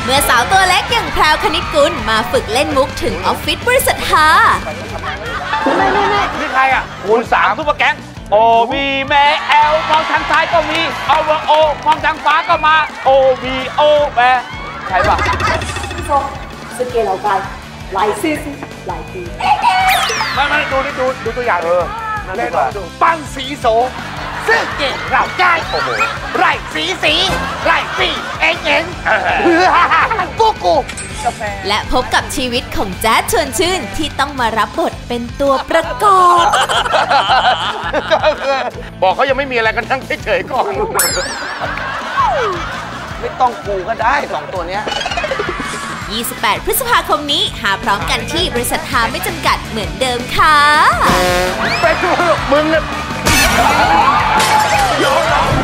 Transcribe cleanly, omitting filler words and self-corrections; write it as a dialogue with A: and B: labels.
A: มื่อสาวตัวเล็กอย่างแพรวคณิตกุลมาฝึกเล่นมุกถึงออฟฟิศบริษัทฮา
B: นี่ใครอ่ะคูณ3ซุปเปอร์แก๊งโอวีแม่แอลมองทางซ้ายก็มีเอาเวอร์โอมองทางฟ้าก็มาโอวีโอแม่ใช่ป่ะ
C: 是给老闆嚟試試嚟試。
B: ไม่ดูตัวอย่างเล่นดูปังสีโสซึ่งเก่งเราได้โอ้โหไร่สีไร่ปีเอ็งพวกกู
A: และพบกับชีวิตของแจ๊ดชวนชื่นที่ต้องมารับบทเป็นตัวประกอบ
B: บอกเขายังไม่มีอะไรกันทั้งเฉยๆก่อนไม่ต้องกูก็ได้2ตัวเนี้ย
A: 28 พฤษภาคมนี้หาพร้อมกันที่บริษัทฮาไม่จำกัดเหมือนเดิมค่ะ
B: ไปดูมึงเนี่ย